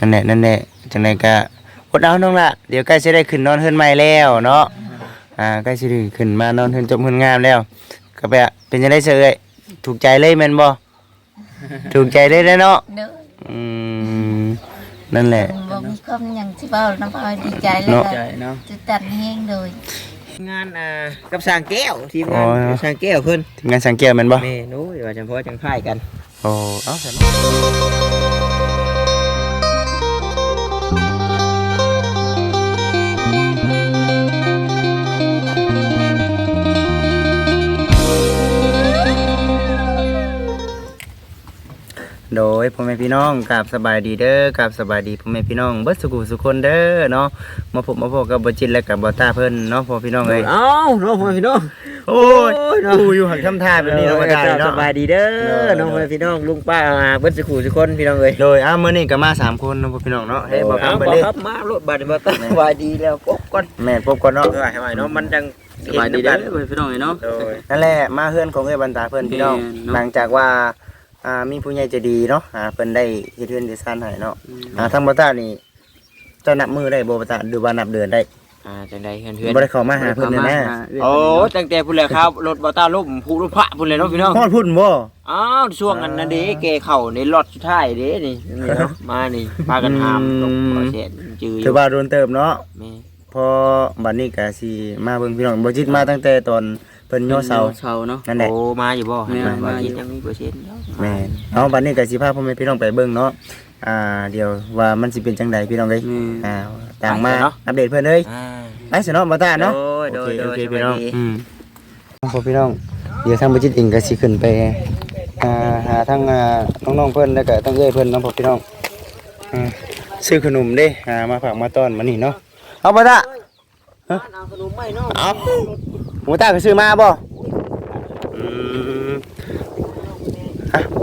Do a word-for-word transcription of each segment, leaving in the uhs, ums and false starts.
นั่นแหละนั่นแหละจังได๋ก็อดเอาน้องละเดี๋ยวใกล้สิได้ขึ้นนอนเฮือนใหม่แล้วเนาะอ่าใกล้สิได้ขึ้นมานอนเฮือนจบเฮือนงามแล้วก็แบบเป็นจังได๋เซเอ้ยถูกใจเลยแม่นบ่ถูกใจเลยเนาะเด้ออืมนั่นแหละบ่มีความหยังสิเว้าน้ำอ้อยดีใจเลยใจเนาะจะตัดแห้งเลยงานอ่ากับสร้างแก้วทีมงานกับสร้างแก้วเพิ่นทีมงานสังเกตแม่นบ่แม่นู้ยว่าจังพ่อจังพายกันโอ้เอ้าซั่นโดยพ่อแม่พี่น้องกับสบายดีเด้อกับสบายดีพ่อแม่พี่น้องเบิดสุขุสุคนเด้อเนาะมาพบมาพบกับบ่จิตและกับบ่ตาเพิ่นเนาะพ่อพี่น้องเอ้ยเอ้าน้องพ่อพี่น้องโอ้ยกูอยู่หักทำท่าแบบนี้เนาะบ่ตาเนาะสบายดีเด้อน้องพ่อพี่น้องลุงป้าเบิดสุขุสุคนพี่น้องเอ้ยโดยอ้ามื้อนี้ก็มาสามคนเนาะพ่อพี่น้องเนาะเฮ้ยบ่เอาคำบ่เบิ่งเด้ครับมารถบัดนี้บ่ตาสบายดีแล้วกบก่อนแม่นพบก่อนเนาะเออให้ไว้เนาะมันจังสบายดีเด้อพี่น้องเนาะโดยนั่นแหละมาเฮือนของเอ้ยบรรดาเพิ่นพี่น้องแม่นเนาะหลังจากว่าอ่ามีผู้ใหญ่ใจดีเนาะอ่าเพิ่นได้เฮ็ดเฮือนได้ซ่านให้เนาะอ่าทางบ่ตานี่เจ้านับมือได้บ่บ่ตาหรือว่านับเดือนได้อ่าจังได๋เพื่อนๆบ่ได้เข้ามาหาเพิ่นแน่โอ้ตั้งแต่พุ่นแหละครับรถบ่ต้าล่มผู้รถพระพุ่นเลยเนาะพี่น้องฮอดพุ่นบ่อ้าวช่วงนั้นน่ะเด้แกเข้าในรถสุดท้ายเด้นี่นี่เนาะมานี่พากันหามลงบ่เสร็จจืออถือยู่ ว่าโดนเติบเนาะแม่พอบัดนี้ก็สิมาเบิ่งพี่น้องบ่จิตมาตั้งแต่ตอนเพิ่นย่อเสาเสาเนาะนั่นแหละโอ้มาอยู่บ่แม่มามามาอยู่ยังมีเปอร์เซ็นต์เนาะแม่นเอาบัดนี้ก็สิพาพ่อแม่พี่น้องไปเบิ่งเนาะอ่าเดี๋ยวว่ามันสิเป็นจังไดพี่น้องเอ้ยอ่าต่างมาอัปเดตเพิ่นเอ้ยอ่าไปสิเนาะบ่ตาเนาะโดยโดยโอเคโดยโอเคพี่น้องสบายดีอืมพอพี่น้องเดี๋ยวทางบ่จิตเองก็สิขึ้นไปอ่าหาทางอ่าน้องๆเพิ่นแล้วก็ทางเอ้ยเพิ่นเนาะพอพี่น้องอ่าซื้อขนมเด้อ่ามาฝากมาต้อนมานี่เนาะเอาบ่ตาเอาขนมไม่เนาะเอาหมูตาก็ซื้อมาบ่อืมฮะ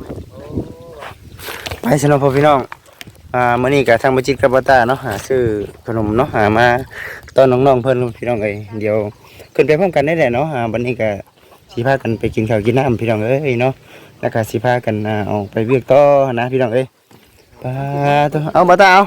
ไปสำหรับพ่อพี่น้องอ่ามื้อนี้ก็ทางบ่จิตกับบ่ตาเนาะหาซื้อขนมเนาะหามาต้อนน้องๆเพิ่นพี่น้องเอ้ยเดี๋ยวขึ้นไปพร้อมกันได้แหละเนาะอ่าบัดนี้ก็สิพากันไปกินข้าวกินน้ำพี่น้องเอ้ยเนาะแล้วก็สิพากันอ่าออกไปเวียกต่อนะพี่น้องเอ้ยไปตัวเอาบ่ตาเอา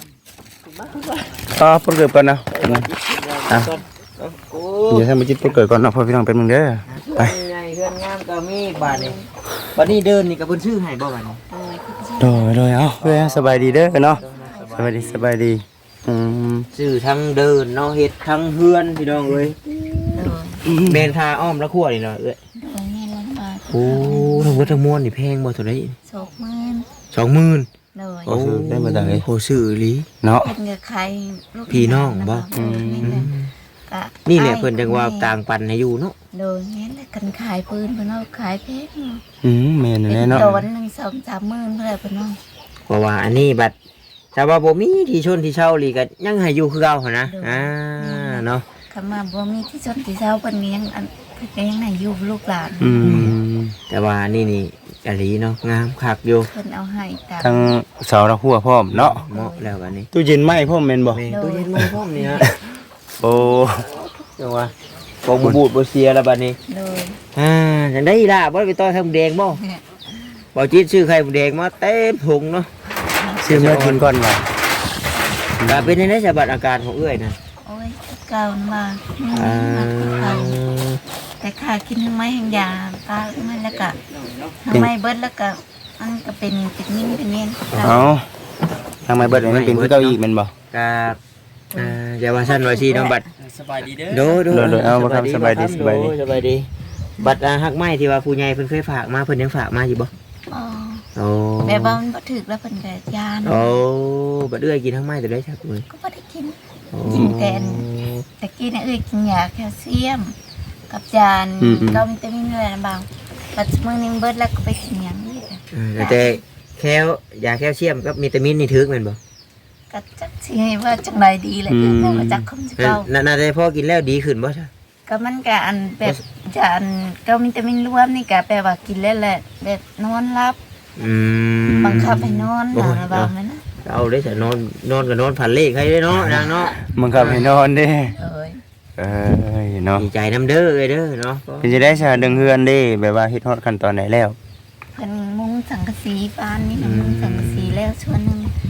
ต่อเพิ่นเกิดก่อนเนาะอืมอ่ะโอ้เดี๋ยวทำไปจิตเกิดก่อนเนาะพ่อพี่น้องเป็นมึงเด้อไปใหญ่เฮือนงามก็มีบาดนี้บัดนี้เดินนี่ก็เพิ่นซื้อให้บ่บัดนี้โดยโดยเอาเว้ยสบายดีเด้อเนาะสบายดีสบายดีอืมซื้อทั้งเดินเนาะเฮ็ดทั้งเฮือนพี่น้องเอ้ยโดยเบนทาอ้อมละขั้วนี่เนาะเอ้ยโดยแม่ลำบากโอ้ทั้งหมดทั้งมวลนี่แพงบ่เท่าไหร่โศกมื่นสองหมื่นโดยโอ้ซื้อได้มาจากไหนโหซื้ออีหลีเนาะเป็นเงือใครลูกพี่น้องบ่อืมนี่แหละกะนี่แหละเพิ่นจังว่าต่างปันให้อยู่เนาะโดยนี่แหละกันขายปืนเพิ่นเอาขายเพชรอืมแม่นเป็นแน่เนาะโดนหนึ่งสองสามหมื่นเท่าไหร่เพิ่นเอาเพราะว่าอันนี้บัดถ้าว่าบ่มีที่ชนที่เช่าอีหลีก็ยังให้อยู่คือเก่าหั่นนะอ่าเนาะคำว่าบ่มีที่ชนที่เช้าเพิ่นก็ยังอันเพิ่นก็ยังให้อยู่ลูกหลานอืมแต่ว่านี่นี่อีหลีเนาะงามคักอยู่เพิ่นเอาให้ตามทั้งเสาและหัวพร้อมเนาะเหมาะแล้วบัดนี้ตู้เย็นไหม้พร้อมแม่นบ่แม่ตู้เย็นมือพร้อมนี่ฮะโอ้จังว่าบ่บ่บูดบ่เสียแล้วบัดนี้โดยอ่าจังได้ล่ะบ่ได้ไปต่อไข่หมูแดงบ่บ่จิตซื้อไข่หมูแดงมาเต็มถุงเนาะซื้อมากินก่อนว่ะก็เป็นในสบัดอาการของเอื้อยนะโอ้ยเก่ามาอ่าเก่าแต่ค่ากินทั้งไม้ทั้งยาตาทั้งไม้แล้วก็ทั้งไม้เบิดแล้วก็มันก็เป็นเป็นนิ่มเป็นเนียนเอาทางไม้เบิดนี่มันเป็นคือเก้าอี้แม่นบ่ก็อ่าอย่าว่าซั่นว่าซี่เนาะบัดสบายดีเด้อโดโดโดยเอาบ่ครับสบายดีสบายดีโสบายดีบัดอ่าฮักไม้ที่ว่าผู้ใหญ่เพิ่นเคยฝากมาเพิ่นยังฝากมาอยู่บ่อ๋อโอ้แบบว่ามันบ่ถึกแล้วเพิ่นก็ยาโอ้บัดเอื้อยกินทั้งไม้ตัวได้ครับเอ้ยก็บ่ได้กินโอ้กินแต่ ตะกี้น่ะเอ้ยกินยาแคลเซียม กับยาเกาวิตามินอะไรนะบางปัจจุบันนี้เบิดแล้วก็ไปกินหยังนี่ค่ะอ่าแต่แคลยาแคลเซียมกับวิตามินนี่ถึกแม่นบ่ก็จักสิให้ว่าจังไดดีเลยแต่ว่าจักคมสิเก่านั่นน่าจะพอกินแล้วดีขึ้นบ่ใช่ก็มันก็อันแบบจะอันเกาวิตามินรวมนี่ก็แปลว่ากินแล้วแหละแบบนอนหลับอืมบังคับให้นอนนะบางนั้นนะเอาได้แต่นอนนอนก็นอนผ่านเลขให้ได้เนาะนางเนาะมึงขับให้นอนเด้เอ้ยเอ้ยเนาะดีใจน้ำเด้อเลยเด้อเนาะเป็นจะได้ซะดึงเฮือนเด้แบบว่าเฮ็ดฮอดขั้นตอนไหนแล้วเพิ่นมุงสังกะสีฟ้านนี่นะมุงสังกะสีแล้วส่วนหนึง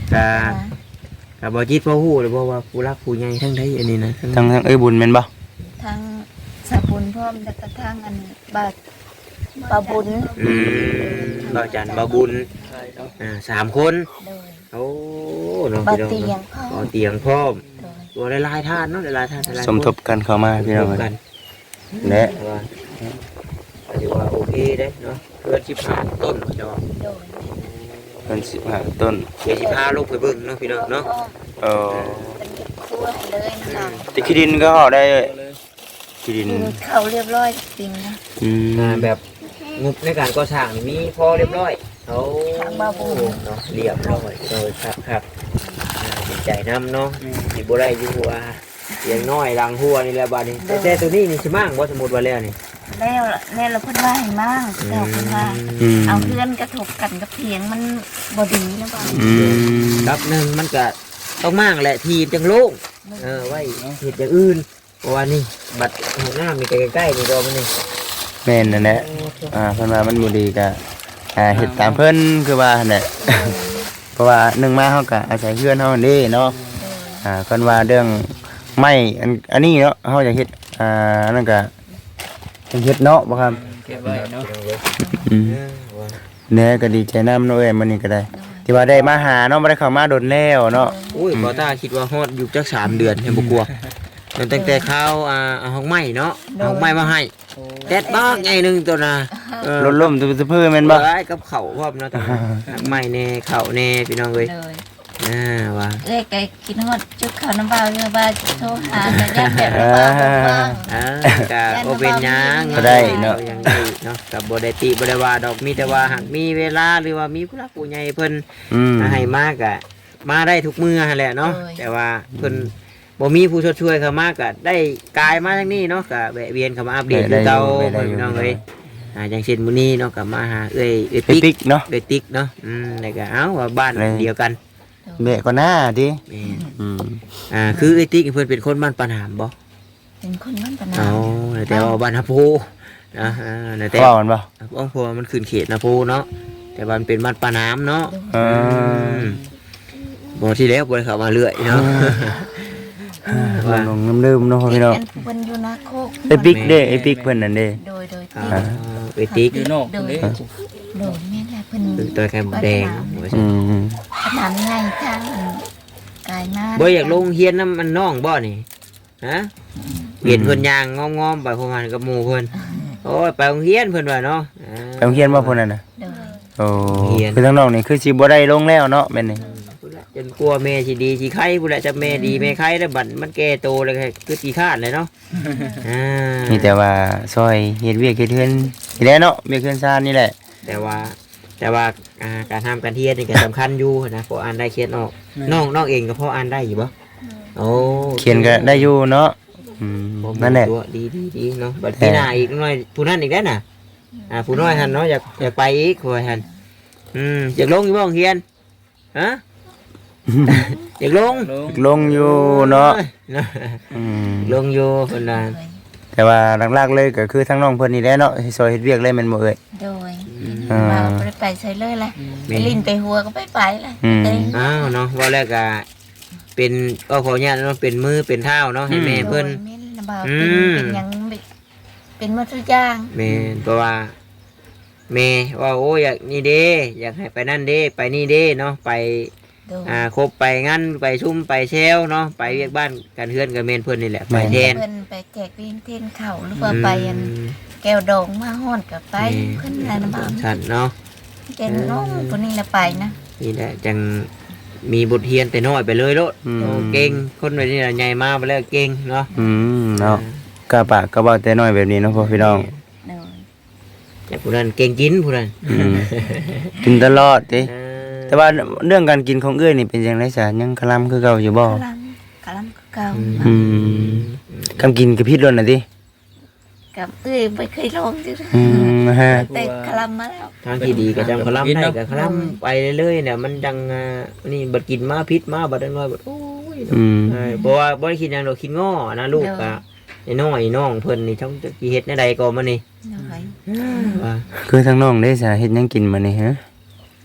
กะกะบ่จิตบ่ฮู้เลยบ่ว่าผู้รักผู้ใหญ่ทั้งใดอันนี้นะทางทางเอ้ยบุญแม่นบ่ทั้งสาบุญพร้อมแล้วก็ทั้งอันบาบาบุญอืมบ่จันบ่บุญอ่าสามคนโดยโอ้น้องบาพี่น้องเตียงเนาะพ่อบ่เตียงพร้อมโดยตัวหลายๆท่านเนาะหลายๆท่านหลายๆสมทบกันเข้ามาพี่น้องสมทบเอ้กัยนและแต่ว่าก็ถือว่าโอเคเด้เนาะเพื่อนสิบห้าต้นเนาะโดยเพิ่นสิบห้าต้นเดี๋ยวสิพาลงไปเบิ่งเนาะพี่น้องเนาะเออเป็นครัวให้เลยนะคะแต่ขี้ดินก็ห่อได้ขี้ดินกินข้าวเรียบร้อยจริงนะอืมอ่าแบบงบในการก่อสร้างนี่มีพอเรียบร้อยเขาเนาะเรียบร้อยโดยครับครับอ่าดีใจนำเนาะสิบ่ได้อยู่ว่าเสียงน้อยลังหัวนี่แหละบัดนี้แต่แต่ตัวนี้นี่สิมั่งบ่สมมุติว่าแล้วนี่แล้วแล้วเราเพิ่นว่าให้มั่งแล้วเพิ่นว่าอืมเอาเพื่อนกระทบกันกับเพียงมันบ่ดีนะบ่อืมครับหนึ่งมันก็ต้องมั่งแหละทีมจังโล่งเออไว้เฮ็ดอย่างอื่นเพราะว่านี่บัดห้องน้ำนี่ใกล้ๆนี่ก็มันนี่แม่นนั่นแหละอ่าเพิ่นว่ามันบ่ดีก็อ่าเฮ็ดตามเพิ่นคือว่าหั่นแหละ เพราะว่าหนึ่งมาเฮาก็อาศัยเพื่อนเฮานั่นเด้เนาะอ่าเพิ่นว่าเรื่องไม้อันอันนี้เนาะเฮาจะเฮ็ดอ่านั่นก็จะเฮ็ดเนาะบ่ครับเก็บไว้เนาะอืมแน่ก็ดีใจนำเนาะเอ้ยมื้อนี้ก็ได้ ที่ว่าได้มาหาเนาะบ่ได้เข้ามาโดนแล้วเนาะอุ้ยบอต้าคิดว่าฮอดอยู่จักสามเดือนให้บ่กลัวตั้งแต่ข้าวอ่าเอาห้องไม้เนาะเอาห้องไม้มาให้แดดบ้างไงหนึงตัวน่ะเออรถล่มตุเพื่อแม่นบ่ไว้กับข้าวพร้อมเนาะตัวน่ะห้องไม้แน่ข้าวแน่พี่น้องเอ้ยเลยอ่าว่าเอ้ยไก่กินฮอดจุดข้าวน้ำเปล่าเรือว่าโทรหาแต่ยันแบบน้ำเปล่าบ่ว่างอ่าก็บ่เป็นหยังก็ได้เนาะยังได้เนาะก็บ่ได้ติบ่ได้ว่าดอกมีแต่ว่าหากมีเวลาหรือว่ามีผู้หลักผู้ใหญ่เพิ่นอืมมาให้มากอะมาได้ทุกมื้อหั่นแหละเนาะแต่ว่าเพิ่นบ่มีผู้ช่วยๆเข้ามากะได้กายมาทางนี้เนาะก็แวะเวียนเข้ามาอัปเดตคือเก่าพี่น้องเอ้ยอ่าอย่างเช่นมื้อนี้เนาะก็มาหาเอ้ยเอ้ยไอ้ติ๊กติ๊กเนาะเอ้ยติ๊กเนาะอืมแล้วก็เอ้าว่าบ้านเลยเดียวกันแม่ก็หน้าดิแม่นอืมอ่าคือเอ้ยติ๊กเพิ่นเป็นคนบ้านปานหามบ่เป็นคนบ้านปะนาเอาแต่ว่าบ้านฮะโพนะอ่าแต่ว่ามันบ่บ้านโพมันขึ้นเขตนะโพเนาะแต่ว่ามันเป็นบ้านปานหามเนาะเออบ่ที่แล้วบ่ได้เข้ามาเรื่อยเนาะว่าลงน้ำลืมเนาะพี่น้องเป็นเพิ่นอยู่นาโคกไอ้ปิ๊กเด้ไอ้ปิ๊กเพิ่นนั่นเด้โดยโดยอ่าที่เอ้ยติ๊กอยู่นอกเด้โดยแม่นแหละเพิ่นคือตัวแคมแดงอืมขนาดง่ายทางกายมาบ่อยากลงเฮียนน้ำมันน้องบ่นี่ฮะเห็นเพิ่นย่างงอมๆไปพวกมันกับหมู่เพิ่นโอ้ยไปโรงเรียนเพิ่นว่าเนาะอ่าไปโรงเรียนบ่พุ่นน่ะนะโดยโอ้เรียนคือทั้งน้องนี่คือสิบ่ได้ลงแล้วเนาะแม่นนี่พุ่นละจนกลัวแม่สิดีสิไข้พุ่นละจะแม่ดีแม่ไข้แล้วบัดมันแก่โตเลยคือสิคร้านเลยเนาะอ่ามีแต่ว่าซอยเฮ็ดเวียกเฮ็ดเฮือนนี่แหละเนาะเวียกเฮือนซ่านนี่แหละแต่ว่าแต่ว่าอ่าการทำการเรียนนี่ก็สำคัญอยู่นะพออ่านได้เขียนออกน้องน้องเองก็พออ่านได้อยู่บ่โอ้เขียนก็ได้อยู่เนาะอืมบ่มีนั่นแหละตัวดีดีดีเนาะบัดพี่หน้าอีกหน่อยผู้นั้นอีกแล้วน่ะอ่าผู้น้อยหันเนาะอยากอยากไปอีกผู้หันอืมอยากลงอยู่บ่โรงเรียนฮะ อยากลงลงลงอยู่เนาะเนาะอืมลงอยู่เพิ่นน่ะแต่ว่าหลักๆเลยก็คือทั้งน้องเพิ่นนี่แหละเนาะที่ซอยเฮ็ดเวียกเลยแม่นบ่เอ่ยโดยอ่ามาบ่ได้ไปใส่เลยแหละไปลิ้นไปหัวก็ไปไปเลยอืมเต้นอ้าวเนาะว่าแล้วก็เป็นก็ขออนุญาตเนาะเป็นมือเป็นเท้าเนาะให้แม่เพิ่นโดยแม่นลำบากอืเป็นมเป็นหยังเป็นหมดทุกอย่างแม่นเพราะว่าแม่ว่าโอ้อยากนี่เด้อยากให้ไปนั่นเด้ไปนี่เด้เนาะไปโดยอ่าครบไปงั้นไปชุ่มไปเชลเนาะไปเรียกบ้านกันเฮือนกับเมนเพิ่นนี่แหละไปแทนเพิ่นไปแจกเวียนเทนเข่าหรือว่าไปอันแก้วดองมาฮ้อนกับไปเพิ่นอะไรนะบ้างฉันเนาะเป็นน้องคนนี้ละไปนะนี่แหละจังมีบทเรียนแต่น้อยไปเลยโลดอืมโอ้เก่งคนแบบนี้น่ะใหญ่มาไปแล้วเก่งเนาะอืมเนาะกะปากกะเว้าแต่น้อยแบบนี้เนาะพ่อพี่น้องโดยแต่ผู้นั้นเก่งกินผู้นั้นอืมกินตลอดติเออแต่ว่าเรื่องการกินของเอ้ยนี่เป็นจังได๋ซะยังคลำคือเก่าอยู่บ่กำลังกำลังเก่าอืมคำกินกับพิษล้นน่ะติกับเอ้ยไม่เคยลองจิอืมฮะแต่คลำมาแล้วทางที่ดีก็จังคลำได้ก็คลำไปเรื่อยๆเนี่ยมันจังอ่านี่บัดกินมาพิษมาบัดน้อยบัดโอ้ยอืมเออเพราะว่าบ่ได้คิดหยังดอกคิดง้อนะลูกก็ไอ้น้อยน้องเพิ่นนี่ช่องจะสิเฮ็ดแนวใดก็มานี่โดยว่าคือทั้งน้องได้ซะเฮ็ดหยังกินมานี่ฮะยำปลา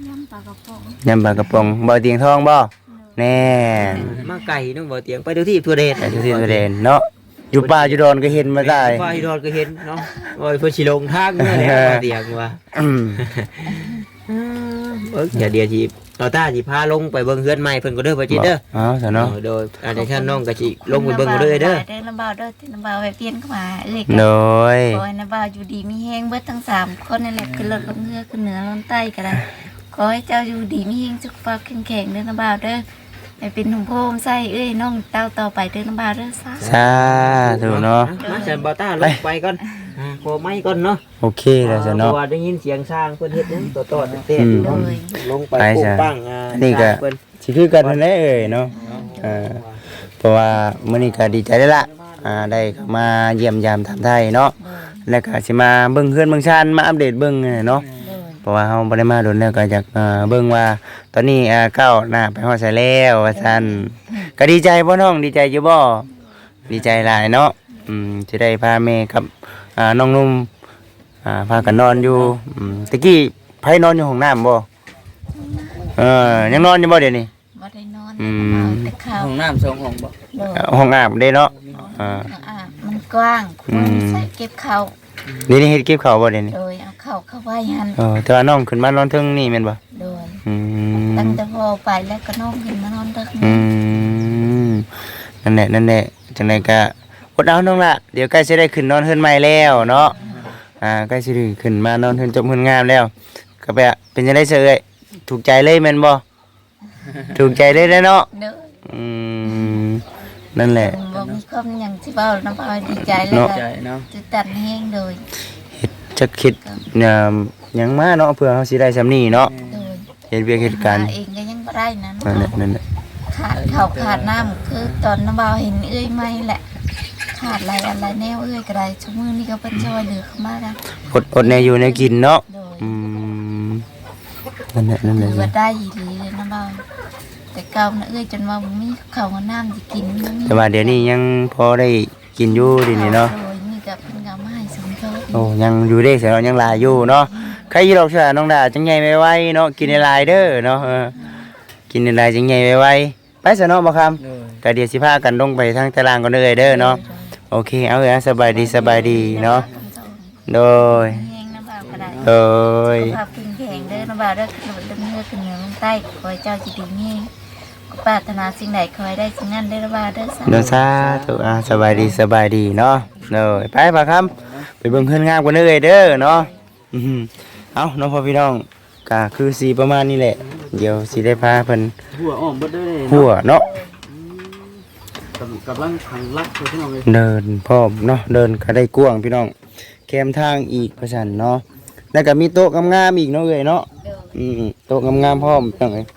กระป๋องยำปลากระป๋องบ่เตียงทองบ่แน่มาไก่น้องบ่เตียงไปดูที่ทั่วเดชแต่ทุกที่ประเด็นเนาะอยู่ป่าอยู่ดอนก็เห็นมาได้ว่าอีดอนก็เห็นเนาะโอ้ยเพิ่นสิลงทางเมื่อแล้วบ่เตียงว่าอืมเบิ่งอย่าเดียวสิเราตาสิพาลงไปเบิ่งเฮือนใหม่เพิ่นก็เด้อบ่จิตเด้ออ๋อซะเนาะเออโดยอาจารย์ท่านน้องก็สิลงไปเบิ่งเด้อเด้อเด้อน้ำบ่าวเด้อที่น้ำบ่าวไปเปลี่ยนเข้ามาเอ้ยโดยขอให้น้ำบ่าวอยู่ดีมีแห้งเบิดทั้งสามคนนั่นแหละขึ้นรถลงเรือขึ้นเหนือลงใต้ก็ได้ขอให้เจ้าอยู่ดีมีแห้งสุขภาพแข็งแรงเด้อน้ำบ่าวเด้อไปเป็นหุ่มโพมใส่เอ้ยน้องเต้าต่อไปเด้อน้ำบ่าวเด้อซะสาธุเนาะมาจันบ่ตาลงไปก่อนอ่าขอไม้ก่อนเนาะโอเคแล้วซะเนาะเพราะว่าได้ยินเสียงช้างเพิ่นเฮ็ดหยังตัวตอดเต้นอยู่เนาะลงไปไปปุ๊จ้ะบปังอ่านี่ก็เพิ่นสิคือกันนั่นแหละเอ้ยเนาะอ่าเพราะว่ามื้อนี้ก็ดีใจได้ละอ่าได้เข้ามาเยี่ยมยามถามไทยเนาะแล้วก็สิมาเบิ่งเฮือนเบิ่งชานมาอัปเดตเบิ่งเนาะเพราะว่าเฮาบ่ได้มาโดนแล้วก็อยากอ่าเบิ่งว่าตอนนี้อ่าก้าวหน้าไปฮอดไสแล้วว่าซั่นก็ดีใจบ่น้องดีใจอยู่บ่ดีใจหลายเนาะอืมสิได้พาแม่กับอ่าน้องนุ่มอ่าพากันนอนอยู่อืมตะกี้ไผนอนอยู่ห้องน้ำบ่เออยังนอนอยู่บ่เดี๋ยวนี้บ่ได้นอนอืมน้ำบ่าวแต่ข้าวห้องน้ำสองห้องบ่โดยเอ่อห้องอาบเด้เนาะอ่าอ่ามันกว้างอืมใส่เก็บข้าวนี่นี่เฮ็ดเก็บข้าวบ่เดี๋ยวนี้โดยเอาข้าวเข้าไว้หันเออแต่ว่าน้องขึ้นมานอนเทิงนี่แม่นบ่โดยอืมตั้งแต่พอไปแล้วก็น้องขึ้นมานอนเด้ออืมนั่นแหละนั่นแหละจังไดก็อดเอาน้องละเดี๋ยวใกล้สิได้ขึ้นนอนเฮือนใหม่แล้วเนาะอ่าใกล้สิได้ขึ้นมานอนเฮือนจบเฮือนงามแล้วก็แบบเป็นจังได๋เสยเอ้ยถูกใจเลยแม่นบ่ถูกใจเลยเด้อเนาะเด้ออืมนั่นแหละบ่มีความหยังที่เว้าน้ำบ่าวดีใจเลยเนาะใจเนาะตื่นตันแฮงโดยจักคิดเนี่ยหยังมาเนาะเพื่อเฮาสิได้ซำนี้เนาะโดยเฮ็ดเวียกเฮ็ดการหเองก็ยังบ่ได้นะนั่นแหละนั่นแหละขาดข้าวขาดน้ำคือตอนน้ำบ่าวเห็นเอ้ยไหม่แหละ ขาดอะไรอะไรแนวเอ้ยก็ได้ชั่วมือนี้ก็เป็นช่วยเหลือเข้ามาแล้วอดอดแนอยู่ในกินเนาะโดยอืมนั่นแหละนั่นแหถืละอว่าได้อีหลีเลยน้ำบ่าวแต่เก่านะเอ้ยจนว่าบ่มีข้าวกับน้ำสิกินบ่มีแต่ว่าเดี๋ยวนี้ยังพอได้กินอยู่เดีนี่เนาะโดยนี่ก็เพิ่นก็เอามาให้สมทบโอ้ยังอยู่เด้เสียเนาะยังหลายอยู่เนาะใครอยู่ดอกเชื่อน้องดาจังใหญ่ไวๆเนาะกินในลายเด้อเนาะเออกินในลายจังใหญ่ไวๆไปซะเนาะบ่คำเลยก็เดี๋ยวสิพากันลงไปทางตารางก่อนเด้อเด้อเนาะโอเคเอาเลยนะสบายดีสบายดีเนาะโดยแห้งน้ำบ่าวก็ได้โดยสุขภาพแข็งแรงเด้อน้ำบ่าวเด้อขึ้นดำเนินขึ้นเหนือลงใต้ขอให้เจ้าจิตดีมีก็ปรารถนาสิ่งใดขอให้ได้สิ่งนั้นเด้อน้ำบ่าวเด้อสาโดยสาธุอ่ะสบายดีสบายดีเนาะโดยไปบ่คำไปเบิ่งเฮือนงามกันเด้อเด้อเนาะอื้อหือเอาน้องพ่อพี่น้องก็คือสีประมาณนี้แหละ เดี๋ยวสิได้พาเพิ่นหัวอ้อมเบิดเด้อเลยหัวเนาะกำลังขังรักพี่น้องเลยเดินพร้อมเนาะเดินก็ได้กว้างพี่น้องแคมทางอีกประชันเนาะแล้วก็มีโต๊ะงามๆอีกเนาะเอ้ยเนาะเด้ออืมโต๊ะงามๆพร้อมจังได๋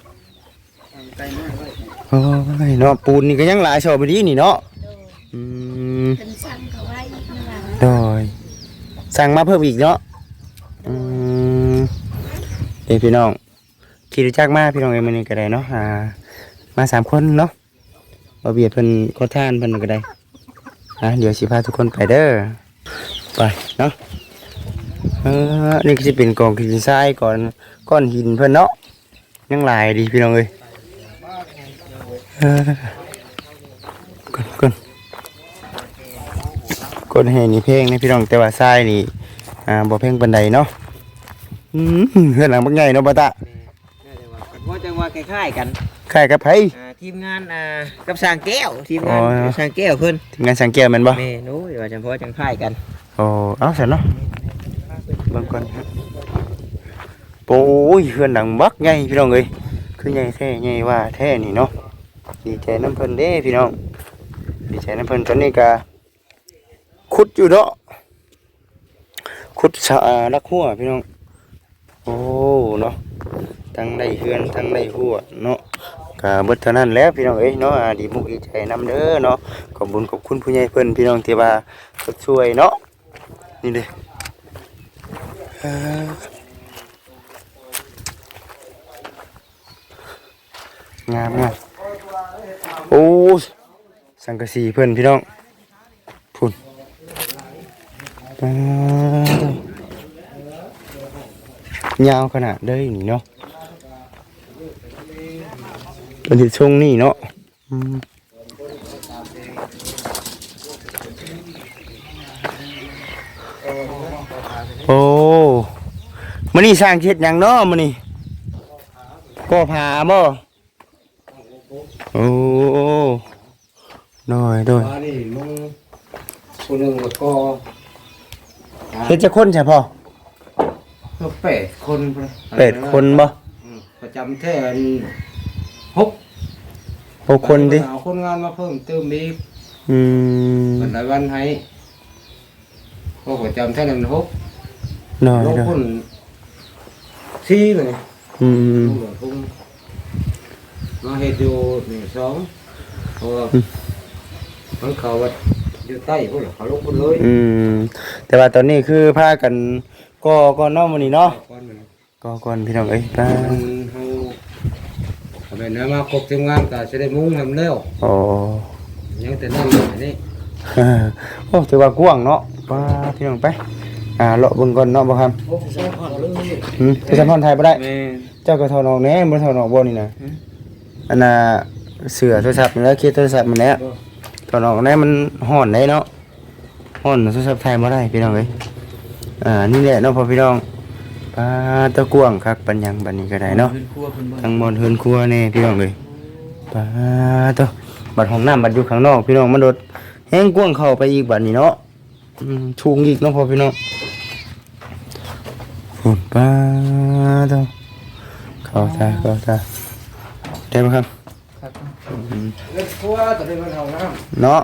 โอ้ยเนาะปูนนี่ก็ยังหลายชอบไปดีนี่เนาะเด้ออืมเป็นสั่งเขาไว้อีกนะโดยสั่งมาเพิ่มอีกเนาะอืมเอ้ยพี่น้องขี่รถจักรมาพี่น้องเอ้ยมื้อนี้ก็ได้เนาะอ่ามาสามคนเนาะบ่เบียดเพิ่นขอทานเพิ่นก็ได้อ่ะเดี๋ยวสิพาทุกคนไปเด้อไปเนาะเออนี่ก็สิเป็นกองหินทรายก่อนก้อนหินเพิ่นเนาะยังหลายดีพี่น้องเอ้ยเออก่อนก่อนก้อนแห่นี่เพลงนะพี่น้องแต่ว่าทรายนี่อ่าบ่เพลงปานใดเนาะอืมเฮือนหลังบักใหญ่เนาะบ่ตะว่าจังว่าคล้ายๆกันคล้ายกับไผอ่าทีมงานอ่ากับสร้างแก้วทีมงานอ๋อกับสร้างแก้วเพิ่นทีมงานสังเกตแม่นบ่แม่นู้ยว่าจังเพราะจังคล้ายกันโอ้เอาซั่นเนาะเบิ่งก่อนครับโอ้ยเฮือนหลังบักใหญ่พี่น้องเอ้ยคือใหญ่แท้ใหญ่ว่าแท้นี่เนาะดีใจน้ำเพิ่นเด้พี่น้องดีใจน้ำเพิ่นตอนนี้ก็ขุดอยู่เนาะขุดสะอารักหัวพี่น้องโอ้เนาะทั้งได้เฮือนทั้งได้หัวเนาะก็เบิดเท่านั้นแล้วพี่น้องเอ้ยเนาะอ่าดีมุกดีใจนำเด้อเนาะขอบคุญขอบคุณผู้ใหญ่เพิ่นพี่น้องที่ว่าช่วยเนาะนี่เด้เอ่องามงามโอ้สังกะสีเพิ่นพี่น้องพุ่นปาดยาวขนาดเด้อนี่เนาะเป็นที่ช่วงนี้เนาะอืมโอ้มื้อนี้สร้างเฮ็ดหยังเนาะมื้อนี้ก็ผาบ่โอ้น้อยด้วยอันนี้มึงคนหนึ่งก็เฮ็ดจะคนใช่พ่อก็แปดคนไปแปดคนบ่อืมประจำแท่นหกหกคนดิเอาคนงานมาเพิ่มเติมอีกอืมวันละวันให้ก็ประจำแท่นั้นหกน้อยลงด้วยคนสี่เลยอืมลุงหลวงพุ่งมาเฮ็ดอยู่หนึ่งสองเพราะว่ามันเขาว่าอยู่ใต้พุ่นล่ะเขาลงพุ่นเลยอืมแต่ว่าตอนนี้คือพากันก็ก็เนาะมื้อนี้เนาะก่อนมันก็ก่อนพี่น้องเอ้ยป้ามันเฮาเอาไปนะมาครบทีมงานก็จะได้มุ้งทำแล้วโอ้ยังแต่นั่นอยู่นี่โอ้ถือว่ากว้างเนาะป้าพี่น้องไปอ่าเลาะเบิ่งก่อนเนาะบ่ครับโอ้ใช่ผ่อนเลยอืมไปสัมพันธ์ไทยบ่ได้แม่เจ้าก็ถอดออกแหน่บ่ถอดออกบ่นี่นะอันน่ะเสื้อโทรศัพท์นี่แหล้วเคสโทรศัพท์มันแหละถอดออกแหน่มันฮ้อนได้เนาะฮ้อนโทรศัพท์ไทยบ่ได้พี่น้องเอ้ยอ่านี่แหละเนาะพ่อพี่น้องป้าตะกว้างคักปัญญังบัดนี้ก็ได้เนาะเป็นครัวเป็นบ้านทั้งหมดเฮือนครัวแน่พี่น้องเอ้ยป้าตะบัดห้องน้ำบัดอยู่ข้างนอกพี่น้องมันโดดแห้งกว้างเข้าไปอีกบัดนี้เนาะอืมชูงอีกเนาะพ่อพี่น้องฝุ่นป้าตะเข้าตาเข้าตาได้ไหมครับเล่นครัวแต่เป็นมันห้องน้เนาะ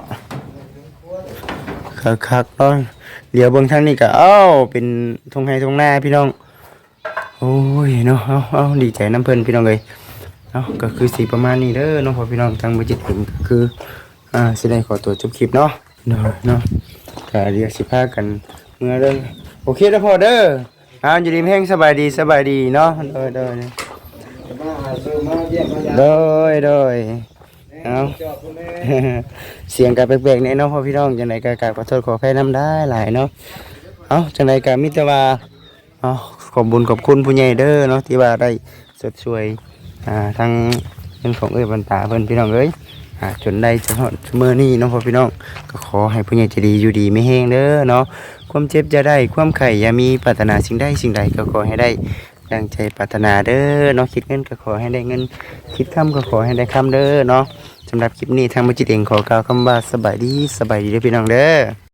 คักๆเนาะเดี๋ยวเบิ่งทางนี้ก็เอ้าเป็นทงไห้ทงหน้าพี่น้องโอ้ยเนาะเอาเอาดีใจน้ำเพิ่นพี่น้องเอ้ยเนาะก็คือสีประมาณนี้เด้อเนาะพอพี่น้องทางบ่จิตถึงก็คืออ่าสิได้ขอตัวจบคลิปเนาะเนาะเนาะก็เรียกสิพากันเมื่อเด้อโอเคแล้วพอเด้ออ้าวอยู่ดีมีแฮงสบายดีสบายดีเนาะเด้อเด้อำมาหาซื้อมาเยี่ยมมายามเด้อเด้อเอาจอบคุณแม่เสียงกับแปลกๆเนี่ยเนาะพ่อพี่น้องจังไดก็กราบขอโทษขออภัยนํได้หลายเนาะเอาจังไดก็มีแต่ว่าเอาขอบบุญขอบคุณผู้ใหญ่เด้อเนาะที่ว่าได้สดช่วยอ่าทางเรื่องของเอ้ยบรรตาเพิ่นพี่น้องเอ้ยอ่าจนได้จนฮอดมื้อนี้เนาะพ่อพี่น้องก็ขอให้ผู้ใหญ่ใจดีอยู่ดีไม่แห้งเด้อเนาะความเจ็บจะได้ความไข้อย่ามีปรารถนาสิ่งใดสิ่งใดก็ขอให้ได้ดังใจปรารถนาเด้อเนาะคิดเงินก็ขอให้ได้เงินคิดคำก็ขอให้ได้คำเด้อเนาะสำหรับคลิปนี้ทางมัจิตเองขอกล่าวคำว่าสบายดีสบายดีเด้อพี่น้องเด้อ